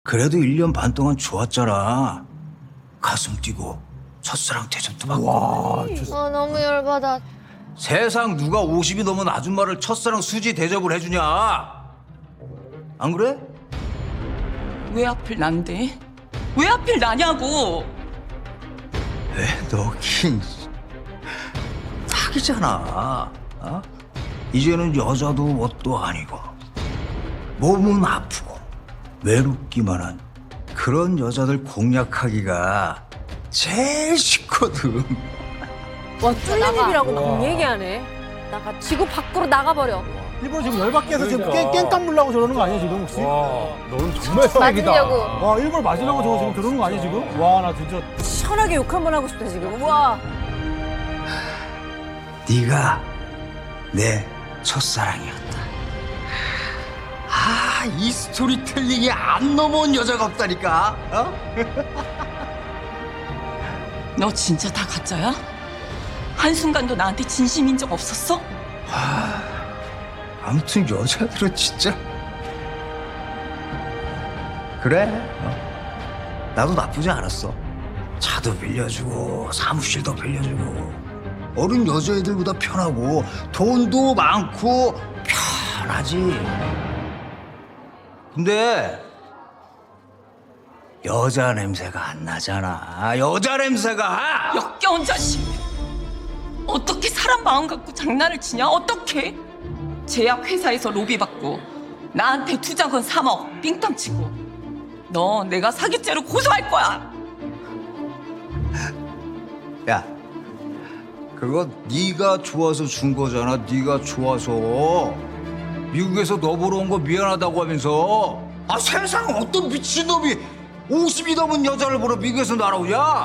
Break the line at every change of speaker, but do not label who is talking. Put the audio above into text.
그래도 1년 반 동안 좋았잖아. 가슴 뛰고 첫사랑 대접도 받고.
와,
아 너무 열받아.
세상 누가 50이 넘은 아줌마를 첫사랑 수지 대접을 해주냐? 안 그래?
왜 하필 난데? 왜 하필 나냐고!
왜 너긴 사기잖아. 어? 이제는 여자도 뭣도 아니고 몸은 아프고 외롭기만 한 그런 여자들 공략하기가 제일 쉽거든.
와 뚫린입이라고
막
얘기하네. 나가 지구 밖으로 나가버려.
일본 지금 열받게 해서 지금 깽 물라고 저러는 거 아니야 지금 혹시? 와, 너는 정말 쓰레기다.
맞으려고.
와, 일본 맞으려고 저거 지금 그러는 거 아니야 지금? 와, 나 진짜.
시원하게 욕 한 번 하고 싶다 지금. 우와.
네가 내 첫사랑이었다. 아, 이 스토리텔링이 안 넘어온 여자가 없다니까. 어?
너 진짜 다 가짜야? 한순간도 나한테 진심인 적 없었어?
아무튼 여자들은 진짜 그래. 어? 나도 나쁘지 않았어. 차도 빌려주고 사무실도 빌려주고 어른 여자애들보다 편하고 돈도 많고 편하지. 근데 여자 냄새가 안 나잖아. 여자 냄새가.
역겨운 자식! 어떻게 사람 마음 갖고 장난을 치냐? 어떻게? 제약회사에서 로비 받고 나한테 투자금 3억 삥땅 치고 너 내가 사기죄로 고소할 거야!
야, 그거 네가 좋아서 준 거잖아. 네가 좋아서. 미국에서 너 보러 온 거 미안하다고 하면서. 아, 세상 어떤 미친놈이 50이 넘은 여자를 보러 미국에서 날아오냐?